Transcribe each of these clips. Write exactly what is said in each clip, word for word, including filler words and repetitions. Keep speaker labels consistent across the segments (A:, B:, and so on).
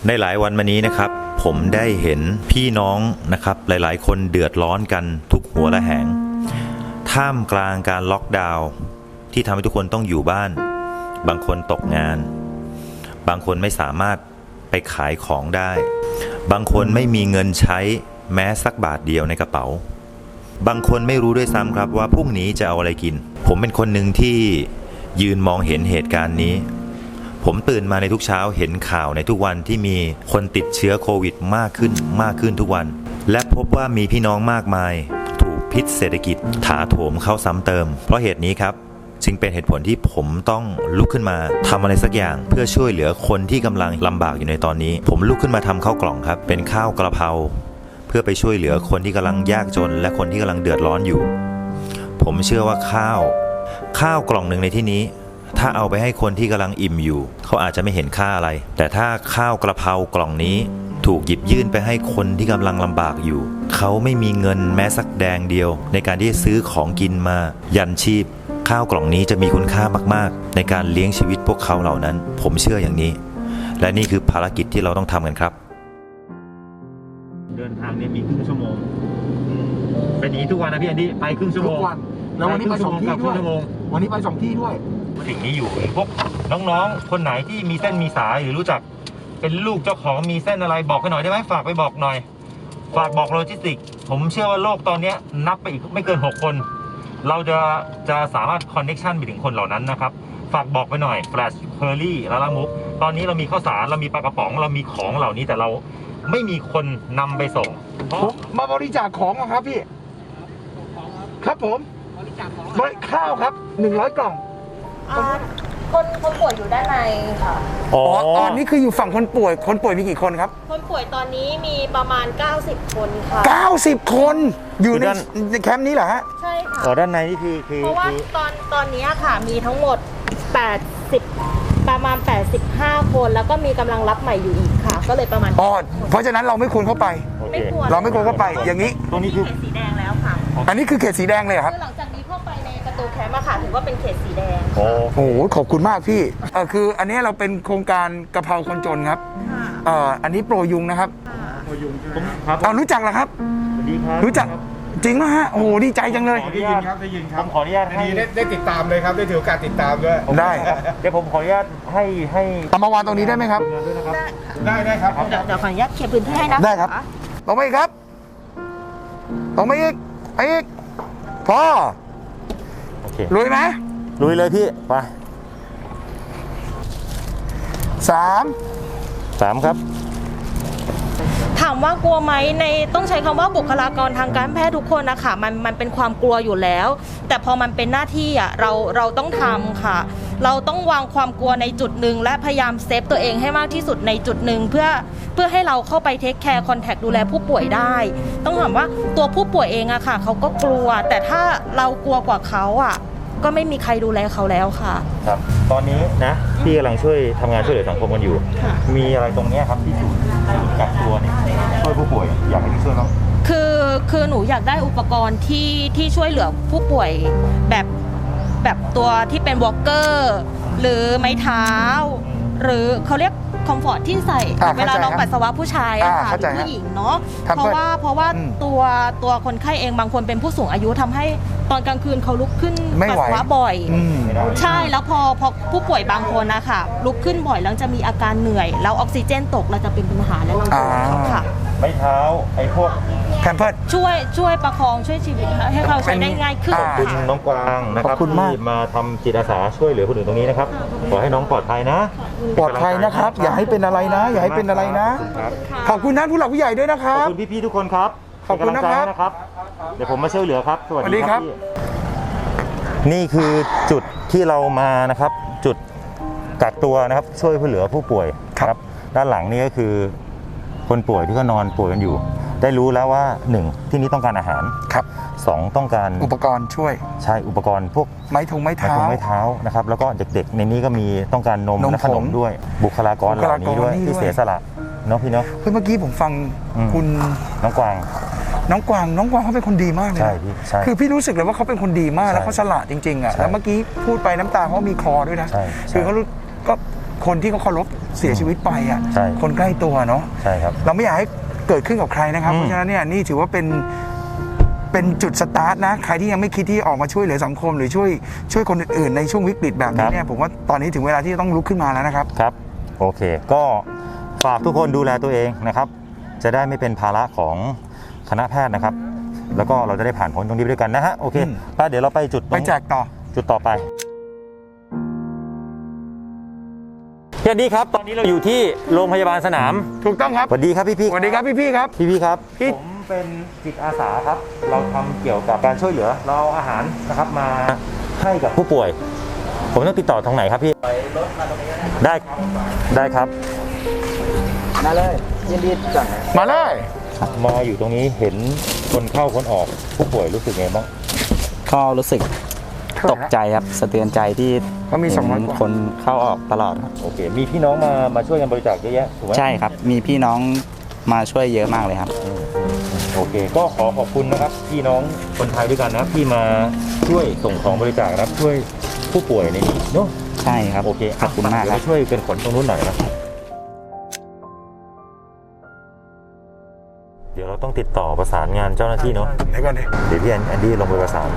A: ในหลายวันมานี้นะครับผมได้เห็นพี่น้องนะครับหลายๆคนเดือดร้อนกันทุกหัวระแหงท่ามกลางการล็อกดาวน์ที่ทำให้ทุกคนต้องอยู่บ้านบางคนตกงานบางคนไม่สามารถไปขายของได้บางคนไม่มีเงินใช้แม้สักบาทเดียวในกระเป๋าบางคนไม่รู้ด้วยซ้ำครับว่าพรุ่งนี้จะเอาอะไรกินผมเป็นคนหนึ่งที่ยืนมองเห็นเหตุการณ์นี้ผมตื่นมาในทุกเช้าเห็นข่าวในทุกวันที่มีคนติดเชื้อโควิดมากขึ้นมากขึ้นทุกวันและพบว่ามีพี่น้องมากมายถูกพิษเศรษฐกิจถาโถมเข้าซ้ำเติมเพราะเหตุนี้ครับจึงเป็นเหตุผลที่ผมต้องลุกขึ้นมาทำอะไรสักอย่างเพื่อช่วยเหลือคนที่กำลังลำบากอยู่ในตอนนี้ผมลุกขึ้นมาทำข้าวกล่องครับเป็นข้าวกระเพราเพื่อไปช่วยเหลือคนที่กำลังยากจนและคนที่กำลังเดือดร้อนอยู่ผมเชื่อว่าข้าวข้าวกล่องหนึ่งในที่นี้ถ้าเอาไปให้คนที่กำลังอิ่มอยู่เขาอาจจะไม่เห็นค่าอะไรแต่ถ้าข้าวกระเพรากล่องนี้ถูกหยิบยื่นไปให้คนที่กำลังลำบากอยู่เขาไม่มีเงินแม้สักแดงเดียวในการที่จะซื้อของกินมายันชีพข้าวกล่องนี้จะมีคุณค่ามากๆในการเลี้ยงชีวิตพวกเขาเหล่านั้นผมเชื่ออย่างนี้และนี่คือภารกิจที่เราต้องทำกันครับเดินทางเนี่ยมีครึ่งชั่วโมงเป็นอย่างนี้ทุกวันนะพี่แอนดี้ไปครึ่งชั่วโมง
B: แล้ววันนี้ไปสองที่ด้วยวันนี้ไปสองที่ด้วย
A: สิ่งนี้อยู่พวกน้องๆคนไหนที่มีเส้นมีสายหรือรู้จักเป็นลูกเจ้าของมีเส้นอะไรบอกกันหน่อยได้ไหมฝากไปบอกหน่อยฝากบอกโลจิสติกผมเชื่อว่าโลกตอนนี้นับไปอีกไม่เกินหกคนเราจะจะสามารถคอนเนคชั่นไปถึงคนเหล่านั้นนะครับฝากบอกไปหน่อยแฟลชเคอรี่ลาลามุกตอนนี้เรามีข้าวสารเรามีปลากระป๋องเรามีของเหล่านี้แต่เราไม่มีคนนำไปส่ง
B: ผมมาบริจาคของครับพี่ครับผมบริจาคของข้าวครับหนึ่งร้อยกล่อง
C: คนคนป่วยอยู่ด้านในค่ะ
B: อ๋อตอนนี้คืออยู่ฝั่งคนป่วยคนป่วยมีกี่คนครับ
C: คนป่วยตอนนี้มีประมาณเก้าสิบคนค่ะ
B: เก้าสิบคนอยู่ในแคมป์นี้เหรอฮะ
C: ใช่ค่ะ
A: อ๋อด้านในนี่คือคือ
C: เพราะว่าตอนตอนนี้ค่ะมีทั้งหมดแปดสิบประมาณแปดสิบห้าคนแล้วก็มีกำลังรับใหม่อยู่อีกค่ะก็เลยประมาณ
B: อ๋อเพราะฉะนั้นเราไม่ควรเข้าไป
C: ไม่ควร
B: เราไม่ควรเข้าไปอย่างนี้
A: ตรงนี้คือ
C: เขตสีแดงแล้วค่ะ
B: อันนี้คือเขตสีแดงเลยครับ
C: คือหลังจากนี้เข้าไปในประตูแคมป์อะค่ะถือว่าเป็นเขตสีแดง
B: โอ้โหขอบคุณมากพี่เออคืออันนี้เราเป็นโครงการกะเพราคนจนครับเอ่ออันนี้โปรยุงนะครับ
A: โปรยุงครับ
B: อ๋อรู้จักเหรอครับ
A: สวัสดีครับ
B: รู้จักจริงไหมฮะโอ้โหดีใจจังเลย
D: ได้ยินครับได้ยินครับ
A: ผมขออนุญาตให้
D: ได้ได้ติดตามเลยครับได้ถือโอกาสติดตามด้วย
B: ได้
A: เดี๋ยวผมขออนุญาตให้ให้
B: เอามาวางตรงนี้ได้ไหมครับ
D: ได้ได้ครับ
C: เดี๋ยวเดี๋ยวขออนุญาตเคลียร์พื้นที่ให้นะ
B: ได้ครับลงมาอีกครับลงมาอีกไปอีกพอ
A: โอเค
B: ลุยไหม
A: ลุยเลยพี่ไป
B: สาม
A: สามครับ
C: ถามว่ากลัวไหมในต้องใช้คำว่าบุคลากรทางการแพทย์ทุกคนนะคะมันมันเป็นความกลัวอยู่แล้วแต่พอมันเป็นหน้าที่อ่ะเราเราต้องทำค่ะเราต้องวางความกลัวในจุดหนึ่งและพยายามเซฟตัวเองให้มากที่สุดในจุดหนึ่งเพื่อเพื่อให้เราเข้าไปเทคแคร์คอนแทคดูแลผู้ป่วยได้ต้องถามว่าตัวผู้ป่วยเองอะค่ะเขาก็กลัวแต่ถ้าเรากลัวกว่าเขาอะก็ไม่มีใครดูแลเขาแล้วค่ะ
A: ครับตอนนี้นะพี่กำลังช่วยทำงานช่วยเหลือสังคมกันอยู่มีอะไรตรงนี้ครับที่ศูนย์กักตัวเนี่ยช่วยผู้ป่วยอยากให้พี่ช่วยน้อง
C: คือคือหนูอยากได้อุปกรณ์ที่ที่ช่วยเหลือผู้ป่วยแบบแบบตัวที่เป็นวอล์กเกอร์หรือไม้เท้าหรือเขาเรียกคอมฟอร์ตที่ใส่เวลาน้องปัสสาวะผู้ชายอะค่ะหรือผู้หญิงเนาะเพราะว่าเพราะว่าตัวตัวคนไข้เองบางคนเป็นผู้สูงอายุทำให้ตอนกลางคืนเขาลุกขึ้นปัสสาวะบ่อยใช่แล้วพอพอผู้ป่วยบางคนนะคะลุกขึ้นบ่อยแล้วจะมีอาการเหนื่อยแล้วออกซิเจนตกเราจะเป็นปัญหาและเราจะค่ะ
A: ไม้เท้าไอ้พวก
B: แพมเพิร์ส
C: ช่วยช่วยประคองช่วยชีวิตให้เขาใช้ได้ง่ายขึ้น
A: ขอบคุณน้องกวางนะครับที่มาทำจิตอาสาช่วยเหลือคนอื่นตรงนี้นะครับขอให้น้องปลอดภัยนะ
B: ปลอดภัยนะครับอย่าให้เป็นอะไรนะอย่าให้เป็นอะไรนะขอบคุณท่านผู้หลักผู้ใหญ่ด้วยนะครับ
A: ขอบคุณพี่ๆทุกคนครับ
B: ขอบคุณนะครับ
A: เดี๋ยวผมมาช่วยเหลือครับสวัสดีครับนี่คือจุดที่เรามานะครับจุดกักตัวนะครับช่วยเหลือผู้ป่วยครับด้านหลังนี่ก็คือคนป่วยที่ก็นอนป่วยกันอยู่ได้รู้แล้วว่าหนึ่งที่นี้ต้องการอาหาร
B: ครับ
A: สองต้องการ
B: อุปกรณ์ช่วย
A: ใช่อุปกรณ์พวก
B: ไม้ทงไม้เท้า
A: ไม้เท้านะครับแล้วก็เด็กๆในนี้ก็มีต้องการนมและขนมด้วยบุคลากรเหล่านี้ด้วยที่เสียสละเนาะพี่เนาะ
B: เมื่อกี้ผมฟังคุณ
A: น้องกวาง
B: น้องกวางน้องกวางเขาเป็นคนดีมากเลย
A: ใช่พี่ใช่
B: คือพี่รู้สึกเลยว่าเขาเป็นคนดีมากแล้วเขาสละจริงๆอ่ะแล้วเมื่อกี้พูดไปน้ำตาเขามีคลอด้วยนะคือเขาก็คคนที่เขาเคารพเสียชีวิตไปอ่ะ
A: ใช่
B: คนใกล้ตัวเนาะ
A: ใช่ครับ
B: เราไม่อยากให้เกิดขึ้นกับใครนะครับ
A: อืม
B: เพราะฉะนั้นเนี่ยนี่ถือว่าเป็นเป็นจุดสตาร์ทนะใครที่ยังไม่คิดที่ออกมาช่วยเหลือสังคม หรือช่วยช่วยคนอื่นๆในช่วงวิกฤตแบบนี้เนี่ยผมว่าตอนนี้ถึงเวลาที่จะต้องลุกขึ้นมาแล้วนะครับ
A: ครับโอเคก็ฝากทุกคนดูแลตัวเองนะครับ จะได้ไม่เป็นภาระของคณะแพทย์นะครับ แล้วก็เราจะได้ผ่านพ้นตรงนี้ไปด้วยกันนะฮะโอเค
B: อืม
A: ป้าเดี๋ยวเราไปจุดตรง
B: ไปแจกต่อ
A: จุดต่อไปสวัสดีครับตอนนี้เราอยู่ที่โรงพยาบาลสนาม
B: ถูกต้องครับ
A: สวัสดีครับพี่พี่
B: สวัสดีครับพี่ๆครับ
A: พี่พี่ครับ
B: พี่
A: ผมเป็นจิตอาสาครับ เราทำเกี่ยวกับการช่วยเหลือเราเอาอาหารนะครับมาให้กับผู้ป่วย ผมต้องติดต่อทางไหนครับพี่ได้ได้ครับ
E: มาเลยยินดีจัง
B: มาเลย
A: มาอยู่ตรงนี้เห็นคนเข้าคนออกผู้ป่วยรู้สึกไงบ้าง
E: ก็รู้สึกตกใจครับสะเทือนใจที่
B: เขามีสองร้อย
E: เห็น
B: กว่า
E: คนเข้าออกตลอดครับ
A: โอเค มีพี่น้องมามาช่วยกันบริจาคเยอะแยะถูกไหม
E: ใช่ครับ มีพี่น้องมาช่วยเยอะมากเลยครับ
A: อืมโอเค ก็ขอขอบคุณนะครับ พี่น้องคนไทยด้วยกันนะครับที่มาช่วยส่งของบริจาคนะครับช่วยผู้ป่วยในนี้เนาะ
E: ใช่ครับ
A: โอเค
E: ขอบคุณมากครับ
A: เดี๋ยวช่วยเป็นขนตรงนู้นหน่อยนะเดี๋ยวเราต้องติดต่อประสานงานเจ้าหน้าที่เนาะ
B: เดี๋ยวก่อนดิ
A: เดี๋ยวพี่แอนแอนดี้ลงไปประสาน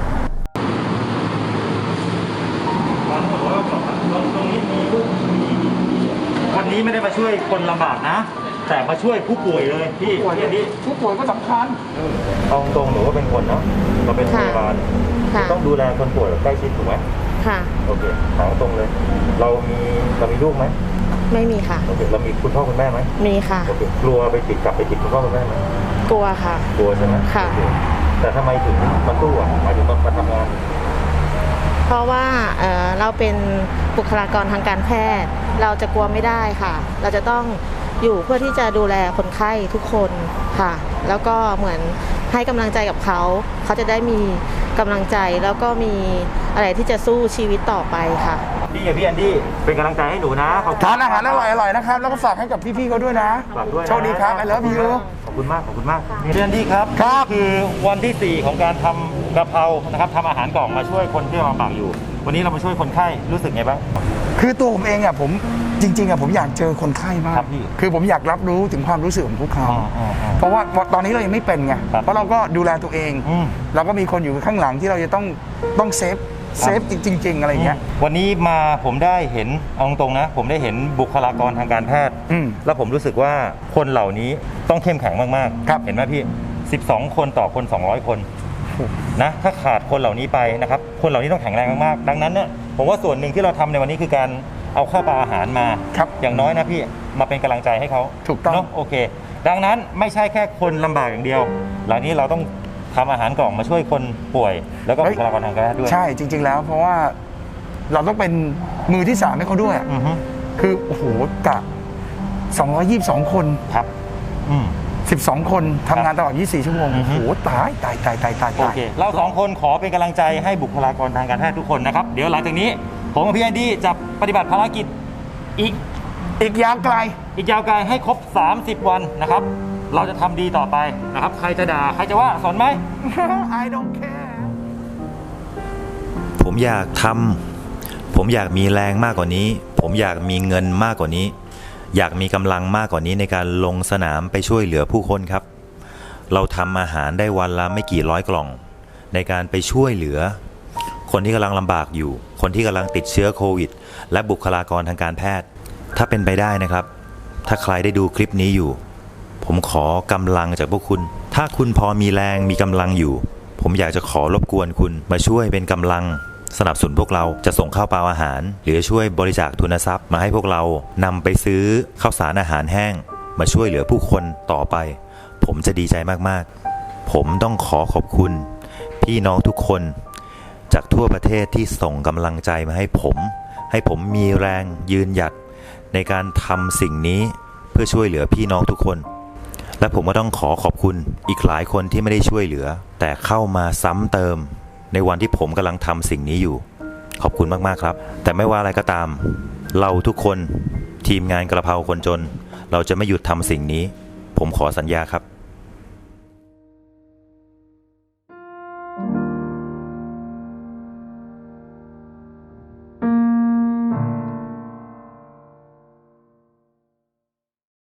A: วันนี้ไม่ได้มาช่วยคนลำบากนะ แต่มาช่วยผู้ป่วยเลยพี่พี่แอนดี้
B: ผู้ป่วยก็สำคัญ
A: เอาตรงหนูก็เป็นคนเนาะเราเป็นพยาบาล
C: ค่ะ
A: ต้องดูแลคนป่วยแบบใกล้ชิดถูกไหม
C: ค่ะ
A: โอเคถามตรงเลย เรามีเรามีลูกไหม
C: ไม่มีค่ะ
A: โอเคเรามีคุณพ่อคุณแม่ไหม
C: มีค่ะ
A: โอเคกลัวไปติดกลับไปติดคุณพ่อคุณแม่ไหม
C: กลัวค่ะ
A: กลัวใช่ไหม
C: ค่ะ
A: โอเแต่ทำไมถึงมาตู้อ่ะหมายถึงมาทำงาน
C: เพราะว่าเอ่อเราเป็นบุคลากรทางการแพทย์ เราจะกลัวไม่ได้ค่ะ เราจะต้องอยู่เพื่อที่จะดูแลคนไข้ทุกคนค่ะ แล้วก็เหมือนให้กำลังใจกับเขา เขาจะได้มีกำลังใจแล้วก็มีอะไรที่จะสู้ชีวิตต่อไปค่ะ
A: พี่กับพี่แอนดี้เป็นกำลังใจให้หนูนะขอบคุณ
B: ทานอาหารอร่อยๆนะครับ แล้วก็ฝากให้กับพี่ๆเขาด้วยนะ
A: ฝากด้วยนะ
B: โชคดีครับ I love you
A: ขอบคุณมากขอบคุณมากพี่แอนดี้ครับ
B: ครับ
A: คือวันที่สี่ของการทำกะเพรานะครับทำอาหารกล่องมาช่วยคนที่ลำบากอยู่ วันนี้เรามาช่วยคนไข้รู้สึกไงบ้าง
B: คือตัวผมเองอ่ะผมจริงๆอ่ะผมอยากเจอคนไข้มาก
A: ครับพี่
B: คือผมอยากรับรู้ถึงความรู้สึกของพวกเขา
A: อ๋ออ๋ออ๋อ
B: เพราะว่าตอนนี้เรายังไม่เป็นไง
A: ครับ
B: เพราะเราก็ดูแลตัวเอง
A: อืม
B: เราก็มีคนอยู่ข้างหลังที่เราจะต้องต้องเซฟเซฟจริง ๆ อะไรอย่างเงี้ย
A: วันนี้มาผมได้เห็นเอาตรงๆนะ ผมได้เห็นบุคลากรทางการแพทย์
B: อืม
A: แล้วผมรู้สึกว่าคนเหล่านี้ต้องเข้มแข็งมากๆ
B: ครับ
A: เห็นไหมพี่ สิบสอง คนต่อคน สองร้อย คนนะถ้าขาดคนเหล่านี้ไปนะครับคนเหล่านี้ต้องแข็งแรงมากๆดังนั้นเนี่ยผมว่าส่วนหนึ่งที่เราทำในวันนี้คือการเอาข้าวปลาอาหารมา
B: ครับ
A: อย่างน้อยนะพี่มาเป็นกำลังใจให้เขา
B: ถูกต้อง
A: เนาะโอเค ดังนั้นไม่ใช่แค่คนลำบากอย่างเดียวหลังนี้เราต้องทำอาหารกล่องมาช่วยคนป่วย แล้วก็บุคลากรทางการแพทย์ด้วย
B: ใช่จริง ๆ แล้ว เพราะว่าเราต้องเป็นมือที่สามให้เขาด้วยอะ
A: อือฮึ
B: คือโอ้โหกะสองร้อยยี่สิบสองคน
A: ครับอืม
B: สิบสอง คนทำงานตลอดยี่สิบสี่ชั่วโมง
A: อือ
B: โอ้
A: ฮึ
B: โหตายตายตายตายตาย
A: โอ
B: ตาย
A: เค เราสองคนขอเป็นกำลังใจให้บุคลากรทางการแพทย์ทุกคนนะครับ เดี๋ยวหลังจากนี้ ผมกับพี่แอนดี้จะปฏิบัติภารกิจอีก
B: อีกยาวไกล
A: อีกยาวไกลให้ครบ สามสิบ วันนะครับ เราจะทำดีต่อไปนะครับ ใครจะด่า ใครจะว่าสนไหม
B: I don't care
A: ผมอยากทำผมอยากมีแรงมากกว่านี้ ผมอยากมีเงินมากกว่านี้ อยากมีกำลังมากกว่านี้ในการลงสนามไปช่วยเหลือผู้คนครับ เราทำอาหารได้วันละไม่กี่ร้อยกล่อง ในการไปช่วยเหลือ คนที่กำลังลำบากอยู่ คนที่กำลังติดเชื้อโควิด และบุคลากรทางการแพทย์ ถ้าเป็นไปได้นะครับ ถ้าใครได้ดูคลิปนี้อยู่ ผมขอกำลังจากพวกคุณ ถ้าคุณพอมีแรงมีกำลังอยู่ ผมอยากจะขอรบกวนคุณมาช่วยเป็นกำลังสนับสนุนพวกเราจะส่งข้าวปลาอาหาร หรือช่วยบริจาคทุนทรัพย์มาให้พวกเรานำไปซื้อข้าวสารอาหารแห้ง มาช่วยเหลือผู้คนต่อไป ผมจะดีใจมากๆ ผมต้องขอขอบคุณ พี่น้องทุกคนจากทั่วประเทศที่ส่งกำลังใจมาให้ผม ให้ผมมีแรงยืนหยัดในการทำสิ่งนี้เพื่อช่วยเหลือพี่น้องทุกคน และผมก็ต้องขอขอบคุณอีกหลายคนที่ไม่ได้ช่วยเหลือ แต่เข้ามาซ้ำเติมในวันที่ผมกำลังทำสิ่งนี้อยู่ ขอบคุณมากๆครับ แต่ไม่ว่าอะไรก็ตาม เราทุกคนทีมงานกระเพราคนจน เราจะไม่หยุดทำสิ่งนี้ ผมขอสัญญาครับ